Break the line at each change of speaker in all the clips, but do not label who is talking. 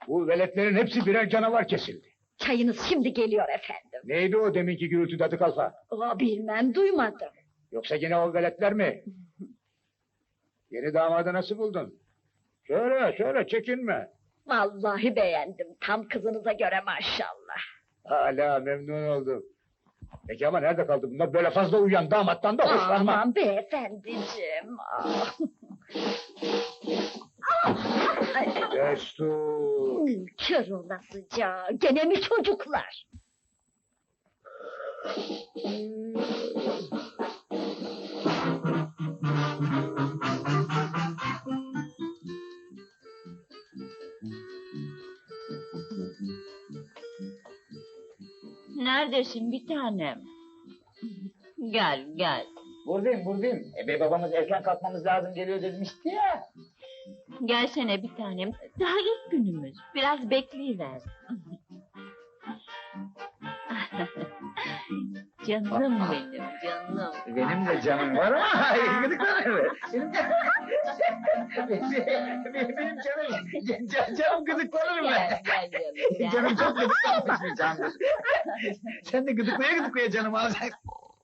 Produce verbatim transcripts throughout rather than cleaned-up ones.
Bu veletlerin hepsi birer canavar kesildi.
Çayınız şimdi geliyor efendim.
Neydi o deminki gürültü dadı kalfa?
Aa, bilmem, duymadım.
Yoksa yine o veletler mi? Yeni damadı nasıl buldun? Söyle, söyle, çekinme.
Vallahi beğendim, tam kızınıza göre maşallah.
Hala memnun oldum. Peki ama nerede kaldı bunlar? Böyle fazla uyuyan damattan da hoşlanma.
Aman beyefendiciğim. Ah. Ah, ay,
Destur.
kör olasıca, gene mi çocuklar?
Neredesin bir tanem? Gel gel.
Buradayım, buradayım. E, bey babamız erken kalkmamız lazım geliyor demişti ya.
Gelsene bir tanem. Daha ilk günümüz. Biraz bekleyiver. Canım benim, canım.
Benim de canım var ama gıdıklanır. Benim, benim, benim canım, can, canım gıdıklanır mı?
Gel, gel canım, gel.
Canım çok gıdıklanmış bir candır. Sen de gıdıklaya gıdıklaya canımı alacaksın.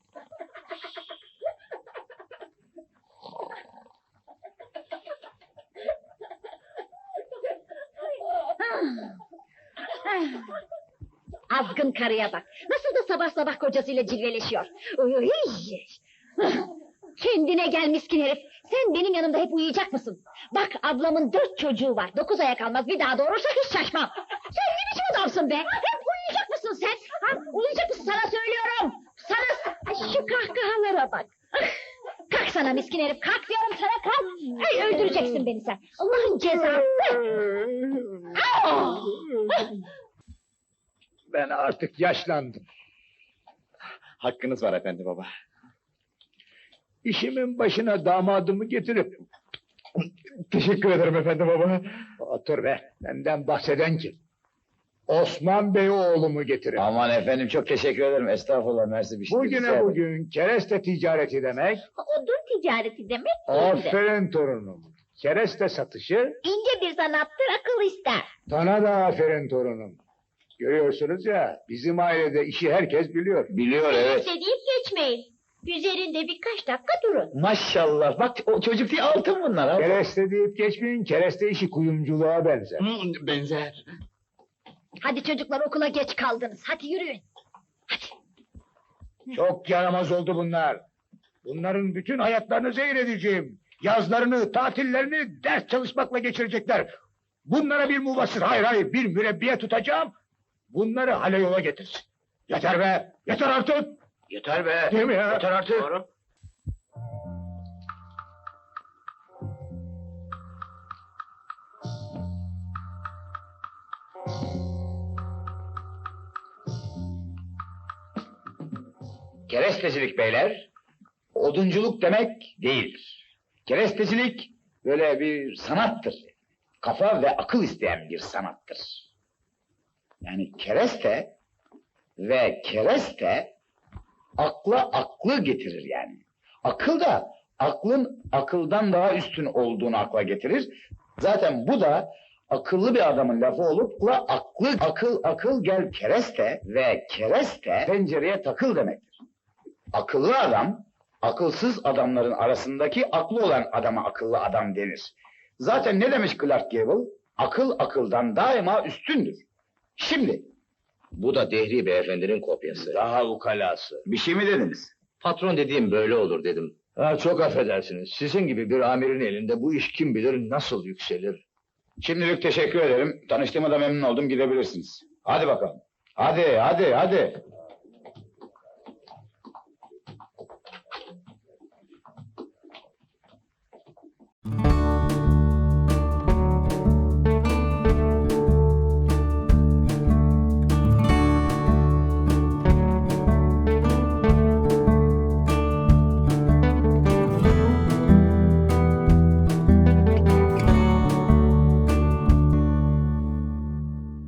Azgın karıya bak, nasıl da sabah sabah kocasıyla cilveleşiyor. Uy! Kendine gel miskin herif, sen benim yanımda hep uyuyacak mısın? Bak ablamın dört çocuğu var, dokuz aya kalmaz, bir daha doğurursa hiç şaşmam. Sen ne biçim adamsın be? Hep uyuyacak mısın sen? Ha, uyuyacak mısın sana söylüyorum. Sana şu kahkahalara bak. Kalk sana miskin herif, kalk diyorum sana, kalk. Ay, öldüreceksin beni sen, Allah'ın cezası. Au!
Ben artık yaşlandım.
Hakkınız var efendi baba.
İşimin başına damadımı getirip...
Teşekkür ederim efendi baba.
Otur be, benden bahseden kim? Osman Bey oğlumu getirip...
Aman efendim çok teşekkür ederim. Estağfurullah, mersi bir şey.
Bugüne bugün kereste ticareti demek...
Odun ticareti demek
Aferin torunum. Kereste satışı...
İnce bir sanattır, akıl ister.
Sana da aferin torunum. Görüyorsunuz ya, bizim ailede işi herkes biliyor.
Biliyor evet.
deyip geçmeyin. Üzerinde birkaç dakika durun.
Maşallah, bak o çocuk değil altın bunlar. Altın.
Kereste deyip geçmeyin, kereste işi kuyumculuğa benzer.
Hı, benzer.
Hadi çocuklar, okula geç kaldınız. Hadi yürüyün.
Çok yaramaz oldu bunlar. Bunların bütün hayatlarını zehir edeceğim. Yazlarını, tatillerini ders çalışmakla geçirecekler. Bunlara bir mubasır, hayır hayır, bir mürebbiye tutacağım. Bunları hale yola getirsin. Yeter be, yeter artık.
Yeter be.
Değil mi ya?
Yeter artık.
Doğru.
Kerestecilik beyler, odunculuk demek değildir. Kerestecilik böyle bir sanattır. Kafa ve akıl isteyen bir sanattır. Yani kereste ve kereste akla aklı getirir yani. Akıl da aklın akıldan daha üstün olduğunu akla getirir. Zaten bu da akıllı bir adamın lafı olup da aklı akıl akıl gel kereste ve kereste pencereye takıl demektir. Akıllı adam, akılsız adamların arasındaki aklı olan adama akıllı adam denir. Zaten ne demiş Clark Gable? Akıl akıldan daima üstündür. Şimdi,
Bu da Dehri Beyefendinin kopyası.
Daha ukalası.
Bir şey mi dediniz? Patron dediğim böyle olur dedim.
Ha, çok affedersiniz. Sizin gibi bir amirin elinde bu iş kim bilir nasıl yükselir.
şimdilik teşekkür ederim. Tanıştığıma da memnun oldum, gidebilirsiniz. Hadi bakalım. Hadi, hadi, hadi.